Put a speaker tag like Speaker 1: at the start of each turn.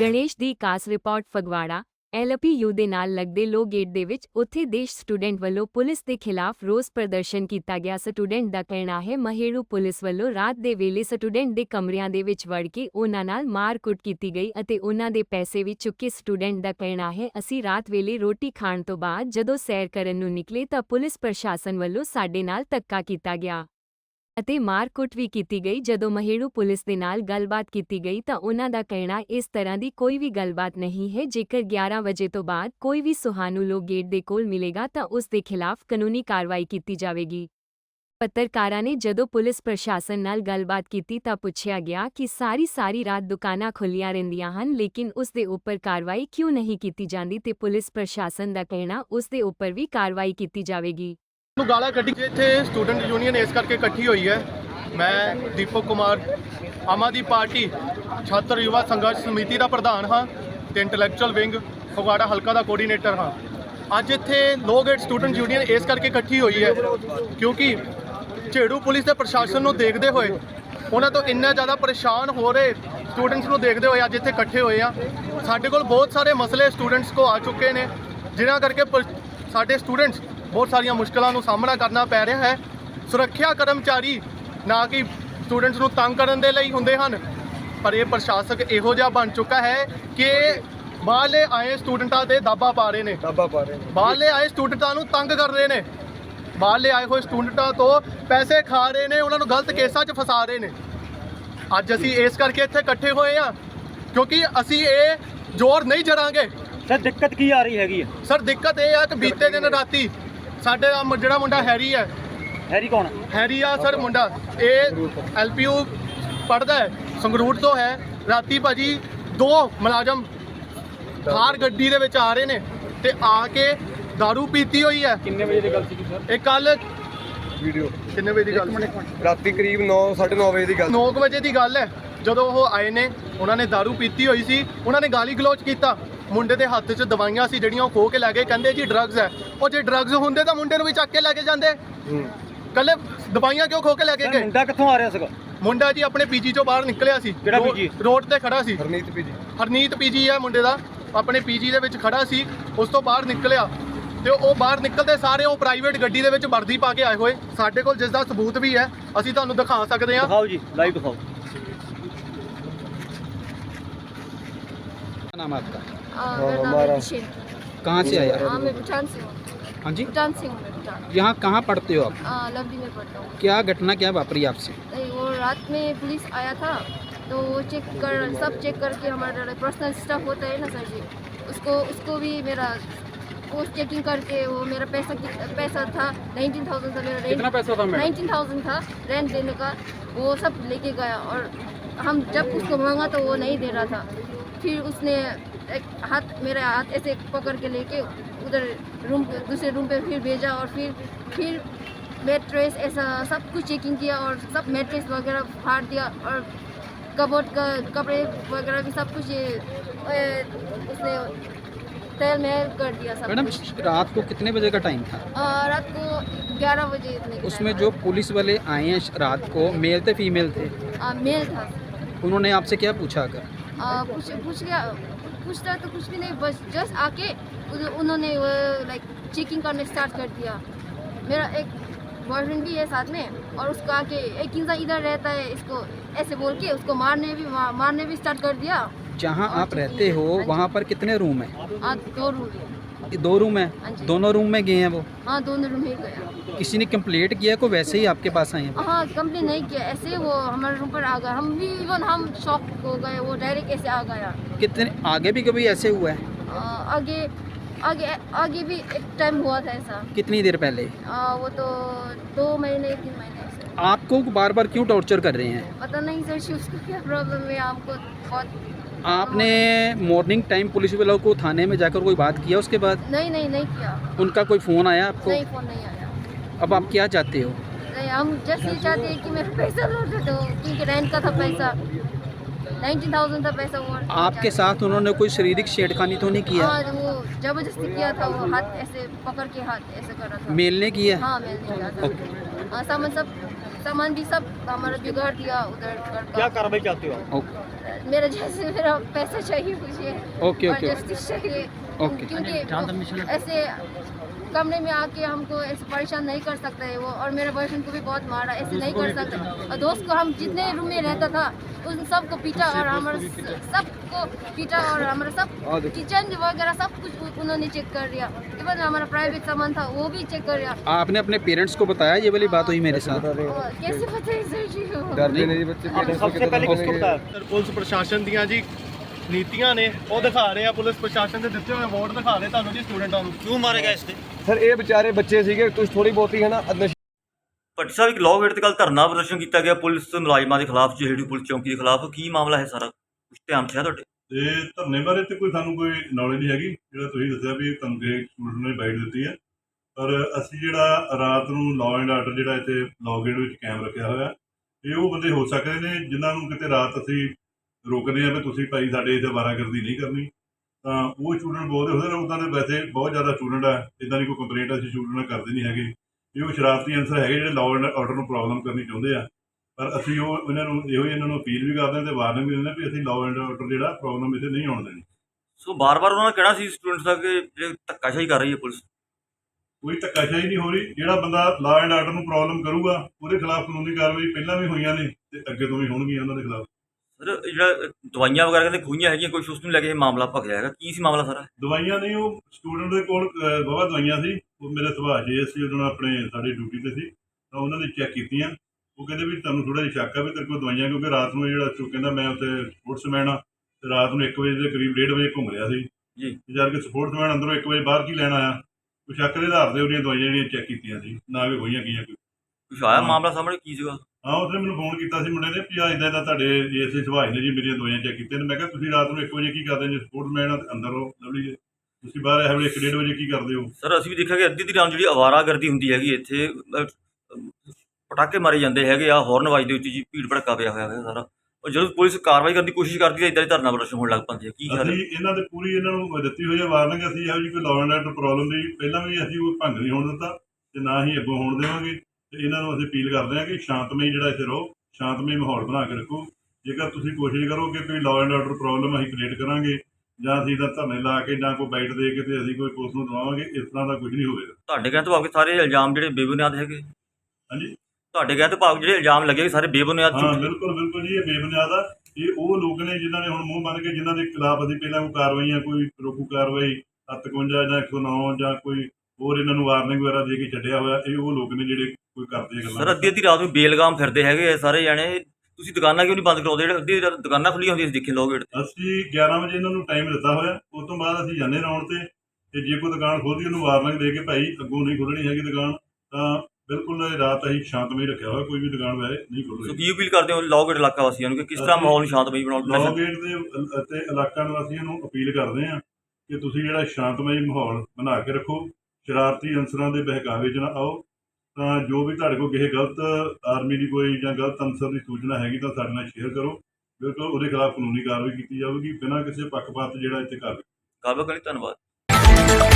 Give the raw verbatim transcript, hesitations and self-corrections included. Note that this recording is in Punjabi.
Speaker 1: ਗਣੇਸ਼ ਦੀ ਖਾਸ report Phagwara L P U ਦੇ ਨਾਲ ਲੱਗਦੇ ਲੋ ਗੇਟ ਦੇ ਵਿੱਚ ਉੱਥੇ ਦੇਸ਼ ਸਟੂਡੈਂਟ ਵੱਲੋਂ ਪੁਲਿਸ ਦੇ ਖਿਲਾਫ ਰੋਸ ਪ੍ਰਦਰਸ਼ਨ ਕੀਤਾ ਗਿਆ। ਸਟੂਡੈਂਟ ਦਾ ਕਹਿਣਾ ਹੈ ਮਹੇੜੂ ਪੁਲਿਸ ਵੱਲੋਂ ਰਾਤ ਦੇ ਵੇਲੇ ਸਟੂਡੈਂਟ ਦੇ ਕਮਰਿਆਂ ਦੇ ਵਿੱਚ ਵੜ ਕੇ ਉਹਨਾਂ ਨਾਲ ਮਾਰ-ਕੁੱਟ ਕੀਤੀ ਗਈ ਅਤੇ ਉਹਨਾਂ ਦੇ ਪੈਸੇ ਵੀ ਚੁੱਕੇ। ਸਟੂਡੈਂਟ ਦਾ ਕਹਿਣਾ ਹੈ ਅਸੀਂ ਰਾਤ ਵੇਲੇ ਰੋਟੀ ਖਾਣ ਤੋਂ ਬਾਅਦ ਜਦੋਂ ਸੈਰ ਕਰਨ ਨੂੰ ਨਿਕਲੇ ਤਾਂ ਪੁਲਿਸ ਪ੍ਰਸ਼ਾਸਨ ਵੱਲੋਂ ਸਾਡੇ ਨਾਲ ਧੱਕਾ ਕੀਤਾ ਗਿਆ ਅਤੇ ਮਾਰ-ਕੁੱਟ ਵੀ ਕੀਤੀ ਗਈ। ਜਦੋਂ ਮਹੇੜੂ ਪੁਲਿਸ ਦੇ ਨਾਲ ਗੱਲਬਾਤ ਕੀਤੀ ਗਈ ਤਾਂ ਉਹਨਾਂ ਦਾ ਕਹਿਣਾ ਇਸ ਤਰ੍ਹਾਂ ਦੀ ਕੋਈ ਵੀ ਗੱਲਬਾਤ ਨਹੀਂ ਹੈ। ਜੇਕਰ ਗਿਆਰਾਂ ਵਜੇ ਤੋਂ ਬਾਅਦ ਕੋਈ ਵੀ ਤੁਹਾਨੂੰ ਲੋ ਗੇਟ ਦੇ ਕੋਲ ਮਿਲੇਗਾ ਤਾਂ ਉਸ ਦੇ ਖਿਲਾਫ ਕਾਨੂੰਨੀ ਕਾਰਵਾਈ ਕੀਤੀ ਜਾਵੇਗੀ। ਪੱਤਰਕਾਰਾਂ ਨੇ ਜਦੋਂ ਪੁਲਿਸ ਪ੍ਰਸ਼ਾਸਨ ਨਾਲ ਗੱਲਬਾਤ ਕੀਤੀ ਤਾਂ ਪੁੱਛਿਆ ਗਿਆ ਕਿ ਸਾਰੀ ਸਾਰੀ ਰਾਤ ਦੁਕਾਨਾਂ ਖੁੱਲ੍ਹੀਆਂ ਰਹਿੰਦੀਆਂ ਹਨ ਲੇਕਿਨ ਉਸ ਦੇ ਉੱਪਰ ਕਾਰਵਾਈ ਕਿਉਂ ਨਹੀਂ ਕੀਤੀ ਜਾਂਦੀ ਤੇ ਪੁਲਿਸ ਪ੍ਰਸ਼ਾਸਨ ਦਾ ਕਹਿਣਾ ਉਸ ਦੇ ਉੱਪਰ ਵੀ ਕਾਰਵਾਈ ਕੀਤੀ ਜਾਵੇਗੀ।
Speaker 2: ਨੂੰ ਗਾਲਾਂ ਕੱਢੀ ਇੱਥੇ ਸਟੂਡੈਂਟ ਯੂਨੀਅਨ ਇਸ ਕਰਕੇ ਇਕੱਠੀ ਹੋਈ ਹੈ। ਮੈਂ ਦੀਪਕ ਕੁਮਾਰ ਆਮ ਆਦਮੀ ਪਾਰਟੀ ਛਾਤਰ ਯੁਵਾ ਸੰਘਰਸ਼ ਸਮਿਤੀ ਦਾ ਪ੍ਰਧਾਨ ਹਾਂ ਤੇ ਇੰਟੈਲੈਕਚੁਅਲ ਵਿੰਗ ਫਗਵਾੜਾ ਹਲਕਾ ਦਾ ਕੋਆਰਡੀਨੇਟਰ ਹਾਂ। ਅੱਜ ਇੱਥੇ ਲੋ ਗੇਟ ਸਟੂਡੈਂਟ ਯੂਨੀਅਨ ਇਸ ਕਰਕੇ ਇਕੱਠੀ ਹੋਈ ਹੈ ਕਿਉਂਕਿ ਝੇੜੂ ਪੁਲਿਸ ਦੇ ਪ੍ਰਸ਼ਾਸਨ ਨੂੰ ਦੇਖਦੇ ਹੋਏ ਉਹਨਾਂ ਤੋਂ ਇੰਨਾ ਜ਼ਿਆਦਾ ਪਰੇਸ਼ਾਨ ਹੋ ਰਹੇ ਸਟੂਡੈਂਟਸ ਨੂੰ ਦੇਖਦੇ ਹੋਏ ਅੱਜ ਇੱਥੇ ਇਕੱਠੇ ਹੋਏ ਆ। ਸਾਡੇ ਕੋਲ ਬਹੁਤ ਸਾਰੇ ਮਸਲੇ ਸਟੂਡੈਂਟਸ ਕੋ ਆ ਚੁੱਕੇ ਨੇ ਜਿਨ੍ਹਾਂ ਕਰਕੇ ਸਾਡੇ ਸਟੂਡੈਂਟਸ ਬਹੁਤ ਸਾਰੀਆਂ ਮੁਸ਼ਕਲਾਂ ਨੂੰ ਸਾਹਮਣਾ ਕਰਨਾ ਪੈ ਰਿਹਾ ਹੈ। ਸੁਰੱਖਿਆ ਕਰਮਚਾਰੀ ਨਾ ਕਿ ਸਟੂਡੈਂਟਸ ਨੂੰ ਤੰਗ ਕਰਨ ਦੇ ਲਈ ਹੁੰਦੇ ਹਨ ਪਰ ਇਹ ਪ੍ਰਸ਼ਾਸਕ ਇਹੋ ਜਿਹਾ ਬਣ ਚੁੱਕਾ ਹੈ ਕਿ ਬਾਹਰਲੇ ਆਏ ਸਟੂਡੈਂਟਾਂ ਤੇ ਦਾਬਾ ਪਾ ਰਹੇ ਨੇ ਦਾਬਾ ਪਾ ਰਹੇ ਨੇ ਬਾਹਰਲੇ ਆਏ ਸਟੂਡੈਂਟਾਂ ਨੂੰ ਤੰਗ ਕਰ ਰਹੇ ਨੇ, ਬਾਹਰਲੇ ਆਏ ਹੋਏ ਸਟੂਡੈਂਟਾਂ ਤੋਂ ਪੈਸੇ ਖਾ ਰਹੇ ਨੇ, ਉਹਨਾਂ ਨੂੰ ਗਲਤ ਕੇਸਾਂ 'ਚ ਫਸਾ ਰਹੇ ਨੇ। ਅੱਜ ਅਸੀਂ ਇਸ ਕਰਕੇ ਇੱਥੇ ਇਕੱਠੇ ਹੋਏ ਹਾਂ ਕਿਉਂਕਿ ਅਸੀਂ ਇਹ ਜ਼ੋਰ ਨਹੀਂ ਜੜਾਂਗੇ।
Speaker 3: ਸਰ ਦਿੱਕਤ ਕੀ ਆ ਰਹੀ ਹੈਗੀ ਹੈ?
Speaker 2: ਸਰ ਦਿੱਕਤ ਇਹ ਹੈ ਕਿ ਬੀਤੇ ਦਿਨ ਰਾਤੀ ਸਾਡੇ ਜਿਹੜਾ ਮੁੰਡਾ ਹੈਰੀ ਹੈ
Speaker 3: ਹੈਰੀ ਕੌਣ
Speaker 2: ਹੈਰੀ ਆ ਸਰ ਮੁੰਡਾ ਇਹ ਐਲ ਪੀ ਯੂ ਪੜ੍ਹਦਾ ਹੈ ਸੰਗਰੂਰ ਤੋਂ ਹੈ। ਰਾਤੀ ਭਾਜੀ ਦੋ ਮੁਲਾਜ਼ਮ ਥਾਰ ਗੱਡੀ ਦੇ ਵਿੱਚ ਆ ਰਹੇ ਨੇ ਤੇ ਆ ਕੇ ਦਾਰੂ ਪੀਤੀ ਹੋਈ ਹੈ।
Speaker 3: ਕਿੰਨੇ ਵਜੇ ਦੀ ਗੱਲ ਸੀ ਸਰ?
Speaker 2: ਇਹ ਕੱਲ
Speaker 4: ਵੀਡੀਓ
Speaker 2: ਕਿੰਨੇ ਵਜੇ ਦੀ ਗੱਲ
Speaker 4: ਰਾਤੀ ਕਰੀਬ ਨੌ ਸਾਢੇ ਨੌ ਵਜੇ ਦੀ ਗੱਲ
Speaker 2: ਨੌ ਵਜੇ ਦੀ ਗੱਲ ਹੈ। ਜਦੋਂ ਉਹ ਆਏ ਨੇ ਉਹਨਾਂ ਨੇ ਦਾਰੂ ਪੀਤੀ ਹੋਈ ਸੀ, ਉਹਨਾਂ ਨੇ ਗਾਲੀ ਗਲੋਚ ਕੀਤਾ। ਮੁੰਡੇ ਦੇ ਹੱਥ 'ਚ ਦਵਾਈਆਂ ਸੀ ਜਿਹੜੀਆਂ ਉਹ ਖੋਹ ਕੇ ਲੈ ਗਏ, ਕਹਿੰਦੇ ਜੀ ਡਰੱਗਸ ਹੈ। ਉਹ ਜੇ ਡਰੱਗਸ ਹੁੰਦੇ ਤਾਂ ਮੁੰਡੇ ਨੂੰ ਵੀ ਚੱਕ ਕੇ ਲੈ ਕੇ ਜਾਂਦੇ, ਕੱਲੇ ਦਵਾਈਆਂ ਕਿਉਂ ਖੋਹ ਕੇ ਲੈ ਕੇ ਗਏ?
Speaker 3: ਮੁੰਡਾ ਕਿੱਥੋਂ ਆ ਰਿਹਾ ਸੀਗਾ?
Speaker 2: ਮੁੰਡਾ ਜੀ ਆਪਣੇ ਪੀਜੀ ਚੋਂ ਬਾਹਰ ਨਿਕਲਿਆ ਸੀ।
Speaker 3: ਕਿਹੜਾ ਪੀਜੀ?
Speaker 2: ਰੋਡ ਤੇ ਖੜਾ ਸੀ।
Speaker 4: ਹਰਨੀਤ ਪੀਜੀ
Speaker 2: ਹਰਨੀਤ ਪੀਜੀ ਹੈ ਮੁੰਡੇ ਦਾ, ਆਪਣੇ ਪੀਜੀ ਦੇ ਵਿੱਚ ਖੜਾ ਸੀ। ਉਸ ਤੋਂ ਬਾਹਰ ਨਿਕਲਿਆ ਤੇ ਉਹ ਬਾਹਰ ਨਿਕਲਦੇ ਸਾਰੇ ਉਹ ਪ੍ਰਾਈਵੇਟ ਗੱਡੀ ਦੇ ਵਿੱਚ ਵਰਦੀ ਪਾ ਕੇ ਆਏ ਹੋਏ। ਸਾਡੇ ਕੋਲ ਜਿਸ ਦਾ ਸਬੂਤ ਵੀ ਹੈ, ਅਸੀਂ ਤੁਹਾਨੂੰ ਦਿਖਾ ਸਕਦੇ ਹਾਂ।
Speaker 3: ਦਿਖਾਓ ਜੀ, ਲਾਈਵ ਦਿਖਾਓ।
Speaker 5: नाम है आपका?
Speaker 6: मेरा नाम है दिशेन।
Speaker 5: कहाँ से आया?
Speaker 6: हाँ मैं भूटान से हूँ।
Speaker 5: हाँ जी,
Speaker 6: भूटान से हूँ मैं भूटान।
Speaker 5: यहाँ कहाँ पढ़ते हो आप?
Speaker 6: हाँ लवली में पढ़ता हूँ।
Speaker 5: क्या घटना क्या वापरी आपसे?
Speaker 6: नहीं, वो रात में पुलिस आया था तो वो चेक कर सब चेक करके हमारा पर्सनल स्टाफ होता है ना सर जी, उसको उसको भी मेरा वो चेकिंग करके वो मेरा पैसा पैसा था नाइनटीन थाउजेंड था मेरा रेंट।
Speaker 3: कितना पैसा था?
Speaker 6: नाइनटीन थाउजेंड था रेंट देने का, वो सब लेके गया और हम जब उसको मांगा तो वो नहीं दे रहा था। फिर उसने एक हाथ मेरा हाथ ऐसे पकड़ के लेके उधर रूम दूसरे रूम पे फिर भेजा और फिर फिर मैट्रेस ऐसा सब कुछ चेकिंग किया और सब मैट्रेस वगैरह फाड़ दिया और कबोर्ड का कपड़े वगैरह भी सब कुछ ये उसने तेल महल कर दिया सब।
Speaker 5: मैडम रात को कितने बजे का टाइम था?
Speaker 6: आ, रात को ग्यारह बजे इतने के
Speaker 5: उसमें
Speaker 6: time
Speaker 5: जो पुलिस वाले आए हैं रात को, मेल थे फीमेल थे?
Speaker 6: आ, मेल था।
Speaker 5: उन्होंने आपसे क्या पूछा कर?
Speaker 6: आ, पूछ पूछ गया पूछता तो कुछ भी नहीं, बस जस्ट आके उन- उन्होंने वो लाइक चेकिंग करना स्टार्ट कर दिया। मेरा एक बॉयफ्रेंड भी है साथ में और उसको आके एक इंसान इधर रहता है, इसको ऐसे बोल के उसको मारने भी मार, मारने भी स्टार्ट कर दिया।
Speaker 5: जहाँ आप रहते हो वहाँ पर कितने रूम हैं?
Speaker 6: हाँ दो रूम है।
Speaker 5: ये दो रूम
Speaker 6: हाँ
Speaker 5: है,
Speaker 6: जी।
Speaker 5: दोनों रूम में गए हैं वो?
Speaker 6: हाँ दोनों रूम में गया।
Speaker 5: किसी ने कंप्लेंट किया को वैसे ही आपके पास आए हैं?
Speaker 6: हाँ कंप्लेन नहीं किया, ऐसे वो हमारे रूम पर आ गया। हम भी इवन हम शॉक हो गए, वो डायरेक्ट ऐसे आ गया।
Speaker 5: कितने आगे भी कभी ऐसे हुआ है?
Speaker 6: आ, आगे आगे आगे भी एक टाइम हुआ था ऐसा।
Speaker 5: कितनी देर पहले?
Speaker 6: आ, वो तो दो महीने तीन महीने ऐसे।
Speaker 5: आपको बार बार क्यों टॉर्चर कर रहे हैं?
Speaker 6: पता नहीं सर जी उसको क्या प्रॉब्लम है, हमको बहुत।
Speaker 5: आपने मॉर्निंग टाइम पुलिस वालों को थाने में जाकर कोई बात किया उसके बाद?
Speaker 6: नहीं नहीं नहीं किया।
Speaker 5: उनका कोई फ़ोन आया आपको?
Speaker 6: नहीं फ़ोन नहीं आया।
Speaker 5: अब आप क्या चाहते हो?
Speaker 6: नहीं हम जस्ट ये चाहते हैं कि मेरा पैसा लौट दो क्योंकि रेंट का था पैसा, नाइनटीन थाउजेंड था पैसा। वो
Speaker 5: आपके साथ उन्होंने कोई शारीरिक छेड़खानी तो नहीं किया?
Speaker 6: हाँ वो जबरदस्ती किया था, वो हाथ ऐसे पकड़ के हाथ ऐसे कर रहा था।
Speaker 5: मेल ने किया?
Speaker 6: हाँ मेल ने किया था। हाँ सामान सब सामान भी सब हमारा बिगाड़ दिया उधर।
Speaker 3: क्या कार्रवाई चाहते हो आप?
Speaker 5: ओके।
Speaker 6: मेरे जैसे मेरा पैसा चाहिए मुझे
Speaker 5: ओके,
Speaker 6: और
Speaker 5: ओके।
Speaker 6: जस्टिस चाहिए
Speaker 5: ओके।
Speaker 6: क्योंकि ऐसे कमरे में आके हमको ऐसे परेशान नहीं कर सकता है वो, और मेरे बॉयफ्रेंड को भी बहुत मारा, ऐसे नहीं कर सकता। और दोस्त को हम जितने रूम में रहता था उन सबको पीटा और हमारे सबको पीटा और हमारा सब किचन वगैरह सब कुछ उ- उन्होंने चेक कर लिया। इवन हमारा प्राइवेट सामान था वो भी चेक कर लिया।
Speaker 5: आपने अपने पेरेंट्स को बताया ये वाली बात हुई मेरे साथ?
Speaker 6: और कैसे पता है सर जी वो?
Speaker 4: ਡਰਦੇ ਨੇ ਜੀ ਬੱਚੇ parents ਤੋਂ
Speaker 3: सबसे
Speaker 4: ਕਿੱਦਾਂ
Speaker 3: पहले किसको
Speaker 4: ਡਰਨਗੇ?
Speaker 3: बताया?
Speaker 2: ਸਰ ਪੁਲਿਸ ਪ੍ਰਸ਼ਾਸਨ ਦੀਆਂ ਜੀ ਨੀਤੀਆਂ ਨੇ ਉਹ ਦਿਖਾ ਰਹੇ ਆ, ਪੁਲਿਸ ਪ੍ਰਸ਼ਾਸਨ ਦੇ ਦਿੱਤੇ ਹੋਏ ਅਵਾਰਡ ਦਿਖਾ ਰਹੇ ਤੁਹਾਨੂੰ ਜੀ ਸਟੂਡੈਂਟਾਂ ਨੂੰ।
Speaker 3: क्यों मारे गए इसने?
Speaker 4: ਸਰ ਇਹ ਵਿਚਾਰੇ ਬੱਚੇ ਸੀਗੇ, ਤੁਸੀਂ ਥੋੜੀ ਬਹੁਤੀ ਹੈ ਨਾ ਨਸ਼ੇ
Speaker 7: ਭੱਟੀ ਸਾਹਿਬ ਇੱਕ ਲੋਅ ਗੇਟ ਤੇ ਕੱਲ੍ਹ ਧਰਨਾ ਪ੍ਰਦਰਸ਼ਨ ਕੀਤਾ ਗਿਆ ਪੁਲਿਸ ਮੁਲਾਜ਼ਮਾਂ ਦੇ ਖਿਲਾਫ, ਜਿਹੜੀ ਪੁਲਿਸ ਚੌਂਕੀ ਦੇ ਖਿਲਾਫ। ਕੀ ਮਾਮਲਾ ਹੈ ਸਾਰਾ ਕੁਝ ਧਿਆਨ 'ਚ ਹੈ ਤੁਹਾਡੇ?
Speaker 8: ਤੇ ਧਰਨੇ ਬਾਰੇ ਤੇ ਕੋਈ ਸਾਨੂੰ ਕੋਈ ਨੌਲੇਜ ਨਹੀਂ ਹੈਗੀ। ਜਿਹੜਾ ਤੁਸੀਂ ਦੱਸਿਆ ਵੀ ਤੁਹਾਨੂੰ ਦੇ ਸਟੂਡੈਂਟ ਨੇ ਬਾਈਟ ਦਿੱਤੀ ਹੈ, ਪਰ ਅਸੀਂ ਜਿਹੜਾ ਰਾਤ ਨੂੰ ਲਾਅ ਐਂਡ ਆਰਡਰ ਜਿਹੜਾ ਇੱਥੇ ਲਾਅ ਗੇਟ ਵਿੱਚ ਕਾਇਮ ਰੱਖਿਆ ਹੋਇਆ, ਇਹ ਉਹ ਬੰਦੇ ਹੋ ਸਕਦੇ ਨੇ ਜਿਨ੍ਹਾਂ ਨੂੰ ਕਿਤੇ ਰਾਤ ਅਸੀਂ ਰੋਕਦੇ ਹਾਂ ਵੀ ਤੁਸੀਂ ਭਾਈ ਸਾਡੇ ਇੱਥੇ ਵਾਰਾਗਰਦੀ ਨਹੀਂ ਕਰਨੀ, ਤਾਂ ਉਹ ਸਟੂਡੈਂਟ ਬੋਲਦੇ ਹੁੰਦੇ ਨੇ। ਉੱਦਾਂ ਦੇ ਵੈਸੇ ਬਹੁਤ ਜ਼ਿਆਦਾ ਸਟੂਡੈਂਟ ਆ, ਇੱਦਾਂ ਦੀ ਕੋਈ ਕੰਪਲੇਂਟ ਅਸੀਂ ਸਟੂਡੈਂਟ ਨਾਲ ਕਰਦੇ ਨਹੀਂ ਹੈਗੇ। ਇਹ ਉਹ ਸ਼ਰਾਰਤੀ ਅਨਸਰ ਹੈਗੇ ਜਿਹੜੇ ਲਾਅ ਐਂਡ ਆਰਡਰ ਨੂੰ ਪ੍ਰੋਬਲਮ ਕਰਨੀ ਚਾਹੁੰਦੇ ਆ, ਪਰ ਅਸੀਂ ਉਹ ਇਹਨਾਂ ਨੂੰ ਇਹੋ ਹੀ ਇਹਨਾਂ ਨੂੰ ਅਪੀਲ ਵੀ ਕਰਦੇ ਹਾਂ ਤੇ ਵਾਰਨਿੰਗ ਵੀ ਦਿੰਦੇ ਹਾਂ ਵੀ ਅਸੀਂ ਲਾਅ ਐਂਡ ਆਰਡਰ ਜਿਹੜਾ ਪ੍ਰੋਬਲਮ ਇੱਥੇ ਨਹੀਂ ਆਉਣ ਦੇਣੀ।
Speaker 7: ਸੋ ਬਾਰ-ਬਾਰ ਉਹਨਾਂ ਨੇ ਕਹਿਣਾ ਸੀ ਸਟੂਡੈਂਟਸ ਦਾ ਕਿ ਜਿਹੜੇ ਧੱਕਾਸ਼ਾਹੀ ਕਰ ਰਹੀ ਹੈ ਪੁਲਿਸ।
Speaker 8: ਕੋਈ ਧੱਕਾਸ਼ਾਹੀ ਨਹੀਂ ਹੋ ਰਹੀ। ਜਿਹੜਾ ਬੰਦਾ ਲਾਅ ਐਂਡ ਆਰਡਰ ਨੂੰ ਪ੍ਰੋਬਲਮ ਕਰੂਗਾ ਉਹਦੇ ਖਿਲਾਫ ਕਾਨੂੰਨੀ ਕਾਰਵਾਈ ਪਹਿਲਾਂ ਵੀ ਹੋਈਆਂ ਨੇ ਤੇ ਅੱਗੇ ਤੋਂ ਵੀ ਹੋਣਗੀਆਂ ਉਹਨਾਂ ਦੇ ਖਿਲਾਫ।
Speaker 7: ਸਰ ਜਿਹੜਾ ਦਵਾਈਆਂ ਵਗੈਰਾ ਕਹਿੰਦੇ ਖੋਹੀਆਂ ਹੈਗੀਆਂ ਕੁਛ, ਉਸ ਨੂੰ ਲੈ ਕੇ ਇਹ ਮਾਮਲਾ ਭਖਿਆ ਹੈਗਾ। ਕੀ ਸੀ ਮਾਮਲਾ ਸਾਰਾ?
Speaker 8: ਦਵਾਈਆਂ ਨਹੀਂ, ਉਹ ਸਟੂਡੈਂਟ ਦੇ ਕੋਲ ਬਹੁਤ ਦਵਾਈਆਂ ਸੀ। ਉਹ ਮੇਰੇ ਸੁਭਾਅ ਜੇ ਸੀ ਉਦੋਂ ਆਪਣੇ ਸਾਡੇ ਡਿਊਟੀ ਤੇ ਸੀ, ਤਾਂ ਉਹਨਾਂ ਨੇ ਚੈੱਕ ਕੀਤੀਆਂ। ਉਹ ਕਹਿੰਦੇ ਵੀ ਤੁਹਾਨੂੰ ਥੋੜ੍ਹਾ ਜਿਹਾ ਸ਼ੱਕ ਆ ਵੀ ਤੇਰੇ ਕੋਲ ਦਵਾਈਆਂ, ਕਿਉਂਕਿ ਰਾਤ ਨੂੰ ਜਿਹੜਾ ਤੂੰ ਕਹਿੰਦਾ ਮੈਂ ਉੱਥੇ ਸਪੋਰਟਸਮੈਨ ਆ ਤੇ ਰਾਤ ਨੂੰ ਇੱਕ ਵਜੇ ਦੇ ਕਰੀਬ ਡੇਢ ਵਜੇ ਘੁੰਮ ਰਿਹਾ ਸੀ
Speaker 7: ਜੀ।
Speaker 8: ਜਦ ਕਿ ਸਪੋਰਟਸਮੈਨ ਅੰਦਰੋਂ ਇੱਕ ਵਜੇ ਬਾਹਰ ਕੀ ਲੈਣ ਆਇਆ। ਉਹ ਸ਼ੱਕ ਦੇ ਆਧਾਰ ਤੇ ਉਹਦੀਆਂ ਦਵਾਈਆਂ ਜਿਹੜੀਆਂ ਚੈੱਕ ਕੀਤੀਆਂ ਸੀ, ਨਾ ਵੀ ਹੋਈਆਂ ਗਈਆਂ ਕੋਈ।
Speaker 7: ਕੁਛ ਆਇਆ ਮਾਮਲਾ ਸਾਹਮਣੇ ਕੀ ਸੀਗਾ?
Speaker 8: ਹਾਂ, ਉਸਨੇ ਮੈਨੂੰ ਫੋਨ ਕੀਤਾ ਸੀ ਮੁੰਡੇ ਨੇ ਵੀ ਆ ਇੱਦਾਂ ਦਾ ਤੁਹਾਡੇ ਇਸੇ ਸੁਭਾਅ ਨੇ ਜੀ ਮੇਰੀਆਂ ਦਵਾਈਆਂ ਚੈੱਕ ਕੀਤੀਆਂ ਨੇ। ਮੈਂ ਕਿਹਾ ਤੁਸੀਂ ਰਾਤ ਨੂੰ ਇੱਕ ਵਜੇ ਕੀ ਕਰਦੇ ਜੀ? ਸਪੋਰਟਸਮੈਨ ਆ ਤੇ ਅੰਦਰ ਹੋ ਲਵਲੀ ਜੀ, ਤੁਸੀਂ ਬਾਹਰ ਇਹ ਵੇਲੇ ਇੱਕ ਡੇਢ ਵਜੇ ਕੀ ਕਰਦੇ ਹੋ?
Speaker 7: ਸਰ ਅਸੀਂ ਵੀ ਦੇਖਿਆ ਕਿ ਅੱਧੀ ਦੀ ਰਾਤ ਜਿਹੜੀ ਅਵਾਰਾਗਰਦੀ ਹੁੰਦੀ ਹੈਗੀ ਇੱਥੇ, ਅਹ, ਪਟਾਕੇ ਮਾਰੇ ਜਾਂਦੇ ਹੈਗੇ ਆ, ਹੌਰਨ ਵੱਜਦੇ ਉੱਤੇ ਜੀ, ਭੀੜ ਭੜਕਾ ਪਿਆ ਹੋਇਆ ਹੈ ਸਾਰਾ। ਔਰ ਜਦੋਂ ਪੁਲਿਸ ਕਾਰਵਾਈ ਕਰਨ ਦੀ ਕੋਸ਼ਿਸ਼ ਕਰਦੀ ਹੈ ਇੱਦਾਂ ਦੀ ਧਰਨਾ ਪ੍ਰਦਰਸ਼ਨ ਹੋਣ ਲੱਗ ਪੈਂਦੇ ਆ। ਕੀ ਗੱਲ
Speaker 8: ਅਸੀਂ ਇਹਨਾਂ ਦੇ ਪੂਰੀ ਇਹਨਾਂ ਨੂੰ ਦਿੱਤੀ ਹੋਈ ਹੈ ਵਾਰਨਿੰਗ। ਅਸੀਂ ਇਹੋ ਜਿਹੀ ਕੋਈ ਲਾਅ ਐਂਡ ਆਰਡਰ ਪ੍ਰੋਬਲਮ ਦੀ ਪਹਿਲਾਂ ਵੀ ਅਸੀਂ ਉਹ ਭੰਗ ਨਹੀਂ ਹੋਣ ਦਿੱਤਾ ਤੇ ਨਾ ਹੀ ਅੱਗੋਂ ਹੋਣ ਦੇਵਾਂਗੇ। ਤੇ ਇਹਨਾਂ ਨੂੰ ਅਸੀਂ ਅਪੀਲ ਕਰਦੇ ਹਾਂ ਕਿ ਸ਼ਾਂਤਮਈ ਜਿਹੜਾ ਇੱਥੇ ਰਹੋ, ਸ਼ਾਂਤਮਈ ਮਾਹੌਲ ਬਣਾ ਕੇ ਰੱਖੋ। ਜੇਕਰ ਤੁਸੀਂ ਕੋਸ਼ਿਸ਼ ਕਰੋ ਕਿ ਕੋਈ ਲਾਅ ਐਂਡ ਆਰਡਰ ਪ੍ਰੋਬਲਮ ਅਸੀਂ ਕ੍ਰੀਏਟ ਕਰਾਂਗੇ ਜਾਂ ਅਸੀਂ ਤਾਂ ਧਰਨੇ ਲਾ ਕੇ ਜਾਂ ਕੋਈ ਬਾਈਟ ਦੇ ਕੇ ਤੇ ਅਸੀਂ ਕੋਈ ਪੁਲਿਸ ਨੂੰ ਦਵਾਵਾਂਗੇ, ਇਸ ਤਰ੍ਹਾਂ ਦਾ ਕੁਝ ਨਹੀਂ ਹੋਵੇਗਾ।
Speaker 7: ਤੁਹਾਡੇ ਕਹਿਣ ਤੋਂ ਭਾਵ ਕਿ ਸਾਰੇ ਇਲਜ਼ਾਮ ਜਿਹੜੇ ਬੇਬੁਨਿਆਦ ਹੈਗੇ?
Speaker 8: ਹਾਂਜੀ,
Speaker 7: ਤੁਹਾਡੇ ਕਹਿਣ ਤੋਂ ਭਾਵ ਜਿਹੜੇ ਇਲਜ਼ਾਮ ਲੱਗੇ ਸਾਰੇ ਬੇਬੁਨਿਆਦ
Speaker 8: ਹਾਂ
Speaker 7: ਝੂਠੇ?
Speaker 8: ਬਿਲਕੁਲ ਬਿਲਕੁਲ ਜੀ, ਇਹ ਬੇਬੁਨਿਆਦ ਆ। ਇਹ ਉਹ ਲੋਕ ਨੇ ਜਿਨ੍ਹਾਂ ਨੇ ਹੁਣ ਮੂੰਹ ਬੰਨ ਕੇ, ਜਿਨ੍ਹਾਂ ਦੇ ਖਿਲਾਫ ਅਸੀਂ ਪਹਿਲਾਂ ਕੋਈ ਕਾਰਵਾਈਆਂ, ਕੋਈ ਰੋਕੂ ਕਾਰਵਾਈ ਸੱਤ ਇਕਵੰਜਾ ਜਾਂ ਇੱਕ ਸੌ ਨੌ ਜਾਂ ਕੋਈ ਹੋਰ ਇਹਨਾਂ ਨੂੰ ਵਾਰਨਿੰਗ ਵਗੈਰਾ ਦੇ ਕੇ ਛੱਡਿਆ ਹੋਇਆ। ਇਹ ਉਹ ਲੋਕ ਨੇ ਜਿਹੜੇ ਕੋਈ ਕਰਦੇ ਗੱਲਾਂ।
Speaker 7: ਸਰ ਅੱਧੀ ਅੱਧੀ ਰਾਤ ਨੂੰ ਬੇਲਗਾਮ ਫਿਰਦੇ ਹੈਗੇ ਆ ਸਾਰੇ ਜਾਣੇ। ਤੁਸੀਂ ਦੁਕਾਨਾਂ ਕਿਉਂ ਨਹੀਂ ਬੰਦ ਕਰਾਉਂਦੇ? ਜਿਹੜੇ ਅੱਧੀ ਰਾਤ ਦੁਕਾਨਾਂ ਖੁੱਲੀਆਂ ਹੁੰਦੀਆਂ ਸੀ ਦੇਖੇ ਲੋਕ ਗੇਟ ਤੇ।
Speaker 8: ਅਸੀਂ ਗਿਆਰਾਂ ਵਜੇ ਇਹਨਾਂ ਨੂੰ ਟਾਈਮ ਦਿੱਤਾ ਹੋਇਆ, ਉਸ ਤੋਂ ਬਾਅਦ ਅਸੀਂ ਜਾਂਦੇ ਰਾਉਂਡ ਤੇ ਤੇ ਜੇ ਕੋਈ ਦੁਕਾਨ ਖੋਲ੍ਹਦੀ ਉਹਨੂੰ ਵਾਰਨਿੰਗ ਦੇ ਕੇ ਭਾਈ ਅੱਗੋਂ ਨਹੀਂ ਖੋਲ੍ਹਣੀ ਹੈਗੀ ਦੁਕਾਨ, ਤਾਂ ਬਿਲਕੁਲ ਇਹ ਰਾਤ ਅਸੀਂ ਸ਼ਾਂਤਮਈ ਰੱਖਿਆ ਹੋਇਆ, ਕੋਈ ਵੀ ਦੁਕਾਨ ਵੈਸੇ ਨਹੀਂ
Speaker 7: ਸੋ
Speaker 8: ਖੋਲ੍ਹਣੀ।
Speaker 7: ਕੀ ਅਪੀਲ ਕਰਦੇ ਹੋ ਲਾਅ ਗੇਟ ਇਲਾਕਾ ਵਾਸੀਆਂ ਨੂੰ ਕਿ ਕਿਸ ਤਰ੍ਹਾਂ ਮਾਹੌਲ ਨੂੰ ਸ਼ਾਂਤਮਈ ਬਣਾਉਣ?
Speaker 8: ਲਾਅ ਗੇਟ ਦੇ ਅਤੇ ਇਲਾਕਾ ਨਿਵਾਸੀਆਂ ਨੂੰ ਅਪੀਲ ਕਰਦੇ ਹਾਂ ਕਿ ਤੁਸੀਂ ਜਿਹੜਾ ਸ਼ਾਂਤਮਈ ਮਾਹੌਲ ਬਣਾ ਕੇ ਰੱਖੋ, ਸ਼ਰਾਰਤੀ ਅਨਸਰਾਂ ਦੇ ਬਹਿਕਾਵੇ 'ਚ ਨਾ ਆਓ। ਤਾਂ ਜੋ ਵੀ ਤੁਹਾਡੇ ਕੋਲ ਕਿਸੇ ਗਲਤ ਆਰਮੀ ਦੀ ਕੋਈ ਜਾਂ ਗਲਤ ਅਨਸਰ ਦੀ ਸੂਚਨਾ ਹੈਗੀ ਤਾਂ ਸਾਡੇ ਨਾਲ ਸ਼ੇਅਰ ਕਰੋ। ਬਿਲਕੁਲ ਉਹਦੇ ਖਿਲਾਫ ਕਾਨੂੰਨੀ ਕਾਰਵਾਈ ਕੀਤੀ ਜਾਵੇਗੀ ਬਿਨਾਂ ਕਿਸੇ ਪੱਖਪਾਤ ਜਿਹੜਾ ਇੱਥੇ ਕਰ।
Speaker 7: ਕਾਰਵਾਈ ਕਰਨ ਲਈ ਧੰਨਵਾਦ।